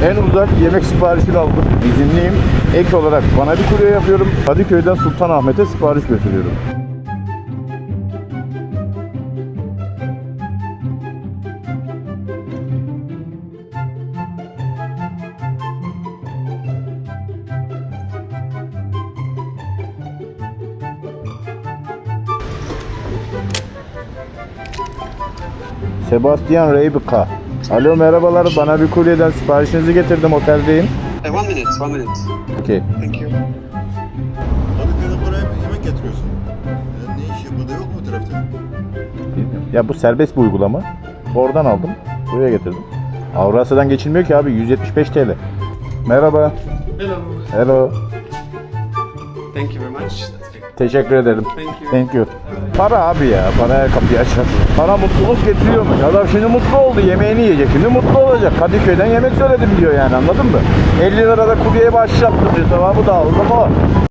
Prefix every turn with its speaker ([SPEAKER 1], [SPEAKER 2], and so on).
[SPEAKER 1] En uzak yemek siparişini aldım. İzinliyim. Ek olarak bana bir kurye yapıyorum. Kadıköy'den Sultanahmet'e sipariş götürüyorum. Sebastian Reybika. Alo merhabalar, bana bir kuryeden siparişinizi getirdim, oteldeyim.
[SPEAKER 2] 1 minute.
[SPEAKER 1] Okey.
[SPEAKER 2] Thank you.
[SPEAKER 3] Kadıköy'den buraya bir yemek getiriyorsun. Ne iş burada yok mu trafikte?
[SPEAKER 1] Ya bu serbest bir uygulama. Oradan aldım, buraya getirdim. Avrasya'dan geçilmiyor ki abi, 175 TL. Merhaba.
[SPEAKER 2] Hello.
[SPEAKER 1] Hello.
[SPEAKER 2] Thank you very much. That's great.
[SPEAKER 1] Teşekkür ederim.
[SPEAKER 2] Thank you.
[SPEAKER 1] Thank you. Para abi ya, para her kapıyı açar. Para mutluluk getiriyormuş. Adam şimdi mutlu oldu, yemeğini yiyecek. Şimdi mutlu olacak. Kadıköy'den yemek söyledim diyor yani, anladın mı? 50 lirada kuryeye başlattı diyor, sevabı da aldım o.